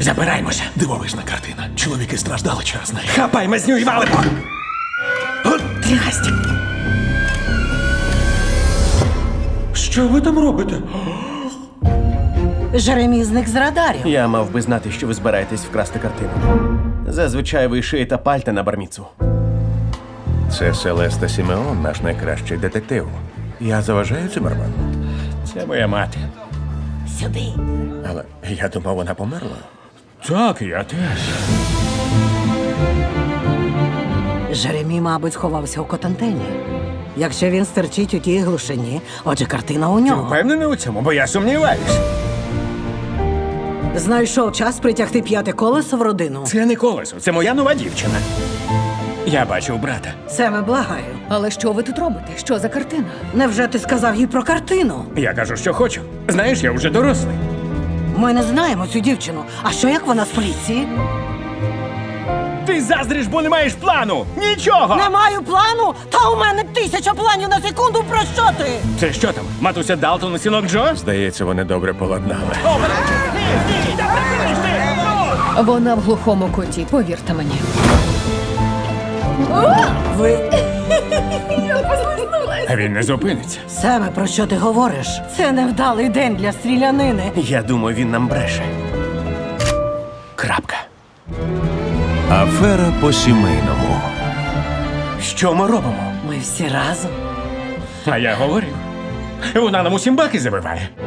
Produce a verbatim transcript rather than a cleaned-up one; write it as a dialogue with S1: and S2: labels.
S1: Забираємося.
S2: Дивовижна картина. Чоловіки страждали через неї.
S1: Хапай мазню і валимо. От трясть. Що ви там робите?
S3: Жеремій зник з радарів.
S4: Я мав би знати, що ви збираєтесь вкрасти картину. Зазвичай ви шиєте пальта на барміцу.
S5: Це Селеста Сімеон, наш найкращий детектив. Я заважаю Цимерману.
S1: Це моя мати.
S3: Сюди.
S5: Але я думав, вона померла.
S1: Так, я теж.
S3: Жеремій, мабуть, сховався у Котантені. Якщо він стерчить у тій глушині, отже, картина у
S1: Ти
S3: нього.
S1: впевнений у цьому, бо я сумніваюсь.
S3: Знайшов час притягти п'яте колесо в родину.
S1: Це не колесо, це моя нова дівчина. Я бачив брата.
S3: Семе, благаю.
S6: Але що ви тут робите? Що за картина?
S3: Невже ти сказав їй про картину?
S1: Я кажу, що хочу. Знаєш, я вже дорослий.
S3: Ми не знаємо цю дівчину. А що як вона з поліції?
S1: Ти заздриш, бо не маєш плану! Нічого!
S3: Не маю плану? Та у мене тисяча планів на секунду. Про що ти?
S1: Це що там? Матуся Далтон і синок Джо?
S5: Здається, вони добре поладнали.
S6: Вона в глухому куті, повірте мені.
S3: Ви...
S1: А він не зупиниться.
S3: Семе, про що ти говориш? Це невдалий день для стрілянини.
S4: Я думаю, він нам бреше. Крапка.
S5: Афера по сімейному.
S4: Що ми робимо?
S3: Ми всі разом.
S1: А я говорив. Вона нам усім баки забиває.